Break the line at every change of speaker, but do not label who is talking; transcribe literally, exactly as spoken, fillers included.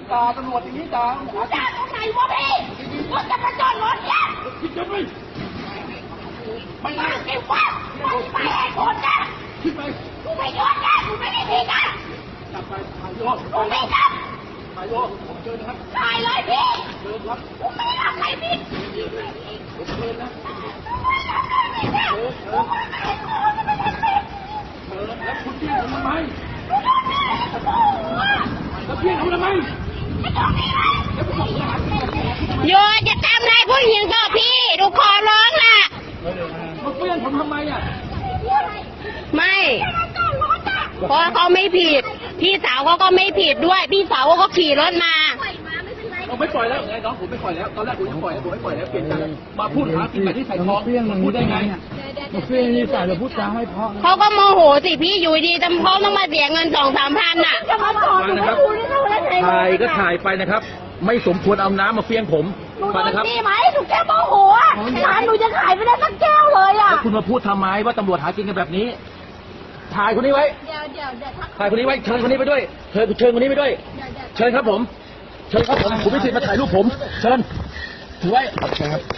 ด่าตำรวจอย่างนี้ด่าหัวด่าตรงไหนวะพี่รถจะมาจอดรถเนี่ยพี่จะไม่ไม่ได้ไอ้ฟ้าไม่ได้คนนะขึ้นไปกูไม่ยอมนะกูไม่ได้ผิดนะจับไปถ่ายโยกกูไม่จับถ่ายโยกผมเชิญนะครับถ่ายเลยพี่เชิญครับกูไม่ทำอะไรผิดผมเชิญนะเชิญเชิญเชิญแล้วคุณเพี้ยนผมทำไมแล้วเพี้ยนผมทำไม
โยจะทำอะไรผู้หญิงก็พี่ดูขอร้องล่ะ
มาเพี้ยนผมทำไมอ่ะ
ไม่เพราะเขาไม่ผิดพี่สาวเขาก็ไม่ผิดด้วยพี่สาวเขาก็ขี่รถมา
เราไม่ปล่อยแล้วไงน้องผมไม่ปล่อยแล้วตอนแรกผมจะปล่อยผมไม่ปล่อยแล้วเปลี่ยนใจมาพูดหากินแบบที่ใส่ท้องพูดได้ไง
มาเฟี้ยงนี่ใส่เราพูดจาให้เพราะ
เขาก็โมโหสิพี่อยู่ดีจำเขาต้องมาเสียเงินสองสามพันน่ะ
นะครับถ่ายก็ถ่ายไปนะครับไม่สมควรเอาน้ำมาเฟี้ยงผมฟังนะครับ
นี่ไหมหนูแค่โมโหอ่ะร้านหนูจะขายไม่ได้สักแก้วเลยอ่ะ
แล้วคุณมาพูดทำไมว่าตำรวจหากินกันแบบนี้ถ่ายคนนี้ไว้ถ่ายคนนี้ไว้เชิญคนนี้ไปด้วยเชิญเชิญคนนี้ไปด้วยเชิญครับผมเชิญครับผมผมไม่สิทธิ์มาถ่ายรูปผมเชิญถือไว้